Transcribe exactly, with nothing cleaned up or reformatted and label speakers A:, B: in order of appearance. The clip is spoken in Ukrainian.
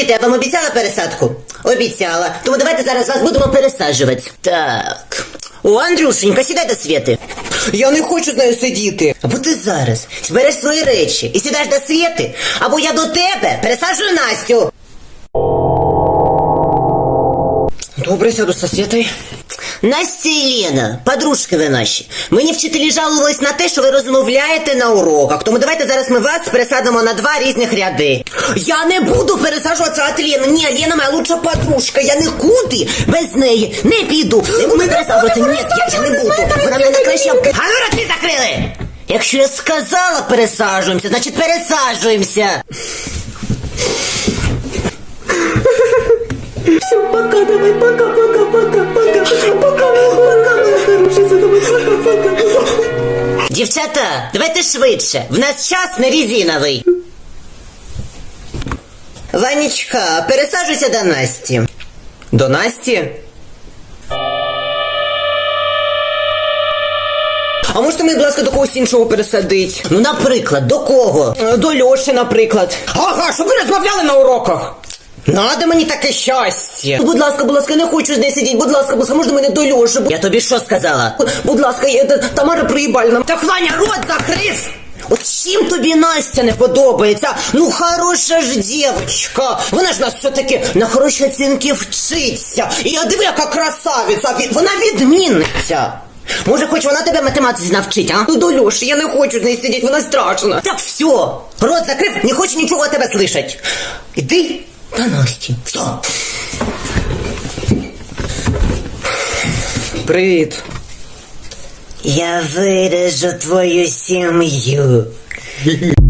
A: Я вам обіцяла пересадку? Обіцяла. Тому давайте зараз вас будемо пересаджувати. Так. О, Андрюшенька, сідай до Свєти.
B: Я не хочу з нею сидіти.
A: Або ти зараз збереш свої речі і сідаєш до Свєти, або я до тебе пересаджую Настю.
B: Добре, сяду со Свєтою.
A: Настя і Лена, подружки ви наші. Мені вчителі жалувались на те, що ви розмовляєте на уроках. Тому давайте зараз ми вас пересадимо на два різних ряди.
B: Я не буду пересаджуватися від Лени. Ні, Лена моя лучша подружка. Я
A: Нікуди без неї не піду. Не буду пересаджуватися. Ні, я, я не буду. Вона мене краще... А ну роти закрили! Якщо я сказала пересаджуємося, значить пересаджуємося.
B: Все, пока, давай, пока, пока, пока, пока, пока, пока, моя хорошая, давай, пока, пока.
A: Дівчата, давайте швидше. В нас час не резиновий. Ванечка, пересаджуйся до Насті.
B: До Насті? А можете мені, будь ласка, до когось іншого пересадити?
A: Ну, наприклад, до кого?
B: До Льоші, наприклад. Ага, щоб ви розмовляли на уроках. Надо мені таке щастя.
A: Будь ласка, будь ласка, не хочу з нею сидіти. Будь ласка, будь ласка, можна мене до Льоші? Я тобі що сказала?
B: Будь ласка, я, Тамара Приїбальна. Так, Ваня, рот закрив.
A: От чим тобі Настя не подобається? Ну, хороша ж дівчинка.
B: Вона ж нас все-таки
A: На хороші оцінки вчиться.
B: І я диви, яка красавиця.
A: Вона відмінниця. Може, хоч вона тебе математиці навчить, а?
B: Ну, до Льоші, я не хочу з нею сидіти, вона страшна.
A: Так все, рот закрив, не хочу нічого тебе слышать. Іди до Насті. Все.
B: Привіт.
A: Я вирежу твою сім'ю.